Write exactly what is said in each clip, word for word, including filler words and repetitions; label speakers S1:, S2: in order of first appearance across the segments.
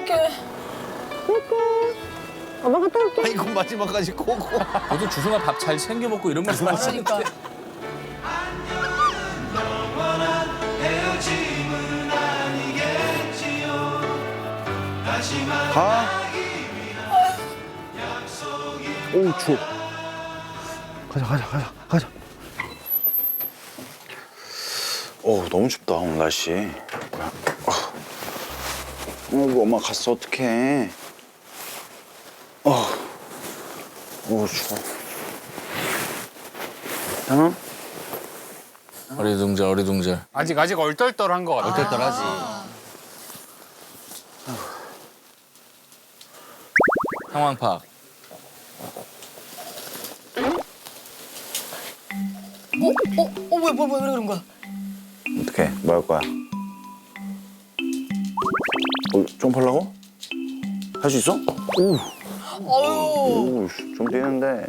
S1: 어떡해.
S2: 엄마 갔다 올게.
S3: 아이고 마지막까지 꼬고.
S4: 너도 주승아 밥 잘 챙겨 먹고 이런 말씀 하시니까.
S1: 그러니까.
S2: 가. 오 추워. 가자 가자 가자 가자. 오 너무 춥다 오늘 날씨. 뭐야? 어. 어이구 엄마 갔어 어떡해. 어. 오 추워. 괜찮아?
S4: 어리둥절 어리둥절.
S5: 아직 아직 얼떨떨한 것 같아.
S4: 얼떨떨하지. 상황 파악.
S1: 어? 어? 어? 왜, 뭐, 왜, 왜 그런 거야?
S2: 어떡해 뭐 할 거야? 어, 좀 팔라고? 할 수 있어? 오.
S1: 아유.
S2: 오, 좀 뛰는데.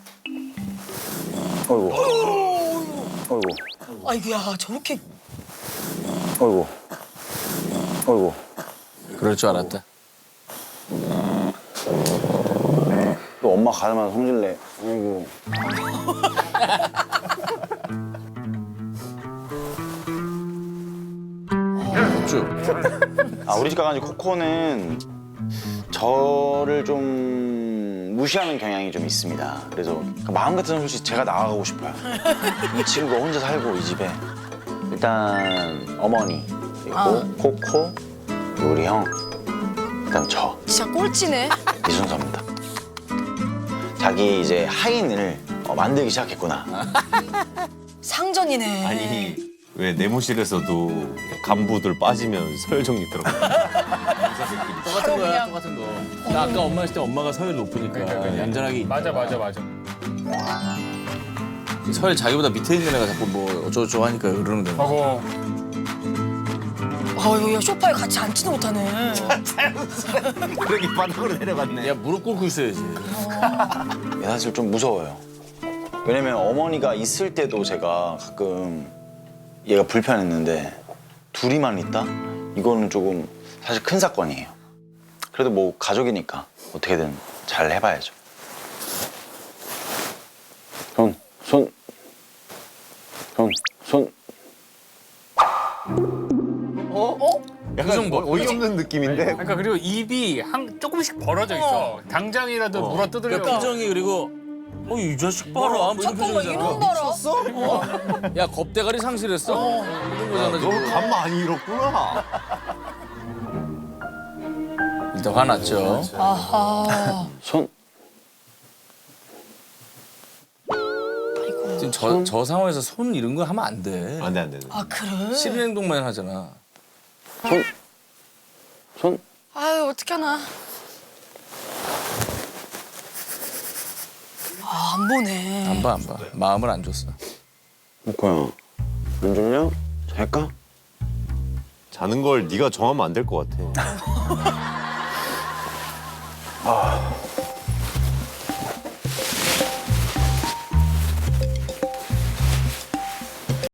S2: 어이구. 어이구.
S1: 아이고야, 저렇게.
S2: 어이구. 어이구.
S4: 그럴 줄 알았다.
S2: 또 엄마 가자마자 성질내. 아이고.
S4: 쭉.
S2: 아, 우리 집 강아지 코코는 저를 좀 무시하는 경향이 좀 있습니다. 그래서 마음 같아서는 솔직히 제가 나가고 싶어요. 이 친구가 혼자 살고 이 집에. 일단 어머니, 그리고
S1: 아.
S2: 코코, 그리고 우리 형, 그다음 저.
S1: 진짜 꼴찌네.
S2: 이 순서입니다. 자기 이제 하인을 어, 만들기 시작했구나.
S1: 상전이네.
S3: 아니 왜 내무실에서도 간부들 빠지면 서열정리 들어가.
S4: 똑같은 거야
S1: 그냥-
S4: 똑같은 거. 나 아까 엄마 했을 때 엄마가 서열 높으니까
S5: 그러니까, 그러니까.
S4: 얌전하게.
S5: 맞아 맞아 맞아.
S4: 서열 자기보다 밑에 있는 애가 자꾸 뭐 어쩌고저쩌고 하니까 그러는 거야.
S5: 하고
S1: 아유, 야, 소파에 같이 앉지도 못하네.
S3: 그러게 바닥으로 내려갔네.
S4: 야 무릎 꿇고 있어야지.
S2: 사실 좀 무서워요. 왜냐면 어머니가 있을 때도 제가 가끔 얘가 불편했는데 둘이만 있다? 이거는 조금 사실 큰 사건이에요. 그래도 뭐 가족이니까 어떻게든 잘 해봐야죠. 손, 손, 손, 손.
S3: 어? 약간
S4: 그 정도.
S3: 어이없는 느낌인데.
S5: 그러니까 그리고 입이 한 조금씩 벌어져 있어. 당장이라도 물어
S4: 그
S5: 뜯으려고.
S4: 표정이 그리고 어 이 자식 봐라 뭐 이런
S1: 잠깐만, 이런
S4: 표정이잖아.
S1: 봐라.
S4: 야 겁대가리 상실했어. 이런 거잖아
S3: 너
S4: 지금.
S3: 간 많이 잃었구나.
S4: 일단 화났죠.
S1: 아하.
S2: 손.
S1: 아이고.
S4: 지금 저, 저 상황에서 손 이런 거 하면 안 돼.
S3: 안돼 안돼.
S1: 아, 그래?
S4: 싫은 행동만 하잖아.
S2: 손. 손.
S1: 아유, 어떡하나. 아, 안 보네.
S4: 안 봐 안 봐. 마음을 안 줬어.
S2: 코코야, 안 졸려? 잘까?
S3: 자는 걸 네가 정하면 안 될 것 같아.
S2: 아.